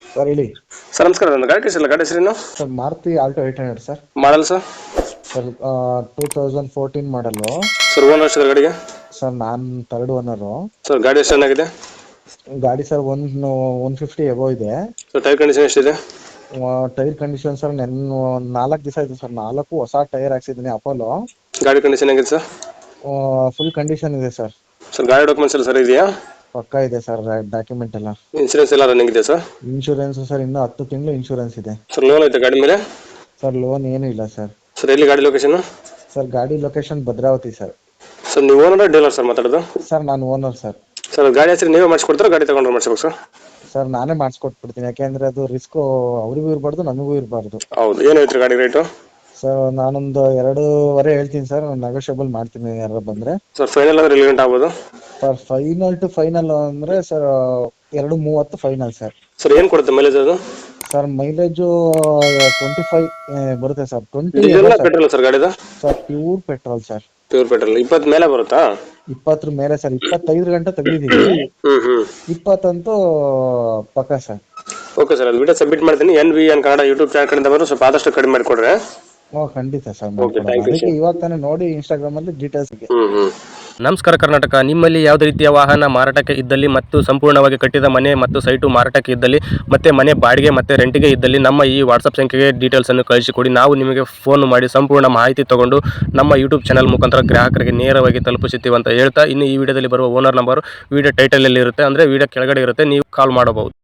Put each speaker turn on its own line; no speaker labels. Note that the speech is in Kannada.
ಸರ್ ಹೇಳಿ.
ಸರ್ ನಮಸ್ಕಾರ. ನನ್ನ ಗಾಡಿ ಕಳಿಸಿಲ್ಲ, ಗಾಡಿ ಹೆಸರೇನು?
Sir Maruti Alto 800 sir.
Model sir?
Sir 2014 model.
Sir owner ಎಷ್ಟು ಗಾಡಿಗೆ?
ಸರ್ ನಾನು ಥರ್ಡ್ ಓನರು.
ಸರ್ ಗಾಡಿ ಎಷ್ಟು ಚೆನ್ನಾಗಿದೆ?
ಗಾಡಿ ಸರ್ 150 ಎಬೋ ಇದೆ.
ಸರ್ ಟೈರ್ ಕಂಡೀಷನ್ ಎಷ್ಟಿದೆ?
ಟೈರ್ ಕಂಡೀಷನ್ ಸರ್ ಒಂದು 4 ದಿವಸ ಆಯಿತು ಸರ್. 4 ಹೊಸ ಟೈರ್ ಹಾಕ್ಸಿದ್ದೀನಿ ಅಪೋಲೋ.
ಗಾಡಿ ಕಂಡೀಷನ್ ಹೇಗಿದೆ ಸರ್?
ಫುಲ್ ಕಂಡೀಷನ್ ಇದೆ ಸರ್.
ಸರ್ ಗಾಡಿ ಡಾಕ್ಯುಮೆಂಟ್ಸ್ ಎಲ್ಲ ಸರ್ ಇದೆಯಾ?
ಪಕ್ಕಾ ಇದೆ ಸರ್ ಡಾಕ್ಯುಮೆಂಟ್ ಎಲ್ಲ.
ಇನ್ಸೂರೆನ್ಸ್ ಎಲ್ಲ ರನ್ನಿಂಗ್ ಇದೆ ಸರ್?
ಇನ್ಶೂರೆನ್ಸ್ ಸರ್ ಇನ್ನೂ 10 ತಿಂಗಳು ಇನ್ಶೂರೆನ್ಸ್ ಇದೆ.
ಸರ್ ಲೋನ್ ಐತೆ ಗಾಡಿ ಮೇಲೆ?
ಸರ್ ಲೋನ್ ಏನೂ ಇಲ್ಲ ಸರ್.
ಸರ್ ಎಲ್ಲಿ ಗಾಡಿ ಲೊಕೇಶನ್?
ಸರ್ ಗಾಡಿ ಲೊಕೇಶನ್ ಭದ್ರಾವತಿ ಸರ್.
ಸರ್ ನೀವು ಓನರ್ ಡೀಲರ್ ಸರ್ ಮಾತಾಡೋದು?
ಸರ್ ನಾನು ಓನರ್ ಸರ್.
ಸರ್ ಗಾಡಿ ಹೆಸರು ನೀವೇ ಮಾಡಿಸ್ಕೊಡ್ತಾರೆ, ಗಾಡಿ ತಗೊಂಡ್ರೆ ಮಾಡಿಸ್ಬೇಕು ಸರ್?
ಸರ್ ನಾನೇ ಮಾಡಿಸ್ಕೊಟ್ಬಿಡ್ತೀನಿ, ಯಾಕೆಂದ್ರೆ ಅದು ರಿಸ್ಕು ಅವರಿಗೂ ಇರಬಾರ್ದು ನಮಗೂ ಇರಬಾರ್ದು.
ಹೌದು. ಏನು ಐತ್ರಿ ಗಾಡಿ ರೇಟು?
ಸರ್ ನಾನೊಂದು 2.5 ಹೇಳ್ತೀನಿ ಸರ್, ನೆಗೋಷಿಯಬಲ್ ಮಾಡ್ತೀನಿ ಯಾರು ಬಂದರೆ.
ಸರ್ ಫೈನಲ್ ಅಂದ್ರೆ ಎಲ್ಲಿ ಗಂಟೆ ಆಗ್ಬೋದು?
ಸರ್ ಫೈನಲ್ ಟು ಫೈನಲ್ ಅಂದರೆ ಸರ್ 2.30 ಫೈನಲ್ ಸರ್.
ಸರ್ ಏನು ಕೊಡುತ್ತೆ ಮೈಲೇಜ್ ಅದು?
ಸರ್ ಮೈಲೇಜು 25 ಬರುತ್ತೆ ಸರ್. 20
ಡೀಸೆಲ್ ಪೆಟ್ರೋಲ್ ಸರ್ ಗಾಡಿದ?
Sir pure petrol sir.
Pure petrol. 20 ಮೇಲೆ ಬರುತ್ತಾ?
20 ಮೇಲೆ ಸರ್. 25 ಗಂಟೆ ತೆಗೆದಿದ್ದೀವಿ. 20 ಅಂತೂ ಪಕ್ಕ ಸರ್.
ಓಕೆ ಸರ್, ಅದು ವಿಡಿಯೋ ಸಬ್ಮಿಟ್ ಮಾಡ್ತೀನಿ. NVN ಕನ್ನಡ ಯೂಟ್ಯೂಬ್ ಚಾನಲ್ ಕಡೆಯಿಂದ ಬರೋ ಸ್ವಲ್ಪ ಆದಷ್ಟು ಕಡಿಮೆ ಮಾಡಿಕೊಡ್ರೆ.
ಖಂಡಿತ sir.
Okay, thank you sir.
ಇವಾಗ ತಾನೇ ನೋಡಿ ಇನ್ಸ್ಟಾಗ್ರಾಮಲ್ಲಿ ಡೀಟೇಲ್ಸ್ಗೆ.
ನಮಸ್ಕಾರ ಕರ್ನಾಟಕ. ನಿಮ್ಮಲ್ಲಿ ಯಾವುದೇ ರೀತಿಯ ವಾಹನ ಮಾರಾಟಕ್ಕೆ ಇದ್ದಲ್ಲಿ ಮತ್ತು ಸಂಪೂರ್ಣವಾಗಿ ಕಟ್ಟಿದ ಮನೆ ಮತ್ತು ಸೈಟು ಮಾರಾಟಕ್ಕೆ ಇದ್ದಲ್ಲಿ ಮತ್ತು ಮನೆ ಬಾಡಿಗೆ ಮತ್ತು ರೆಂಟಿಗೆ ಇದ್ದಲ್ಲಿ ನಮ್ಮ ಈ ವಾಟ್ಸಪ್ ಸಂಖ್ಯೆಗೆ ಡೀಟೇಲ್ಸನ್ನು ಕಳಿಸಿಕೊಡಿ. ನಾವು ನಿಮಗೆ ಫೋನ್ ಮಾಡಿ ಸಂಪೂರ್ಣ ಮಾಹಿತಿ ತಗೊಂಡು ನಮ್ಮ ಯೂಟ್ಯೂಬ್ ಚಾನಲ್ ಮುಖಾಂತರ ಗ್ರಾಹಕರಿಗೆ ನೇರವಾಗಿ ತಲುಪಿಸುತ್ತೀವಿ ಅಂತ ಹೇಳ್ತಾ, ಇನ್ನು ಈ ವಿಡಿಯೋದಲ್ಲಿ ಬರುವ ಓನರ್ ನಂಬರ್ ವಿಡಿಯೋ ಟೈಟಲಲ್ಲಿ ಇರುತ್ತೆ, ಅಂದರೆ ವಿಡಿಯೋ ಕೆಳಗಡೆ ಇರುತ್ತೆ, ನೀವು ಕಾಲ್ ಮಾಡಬಹುದು.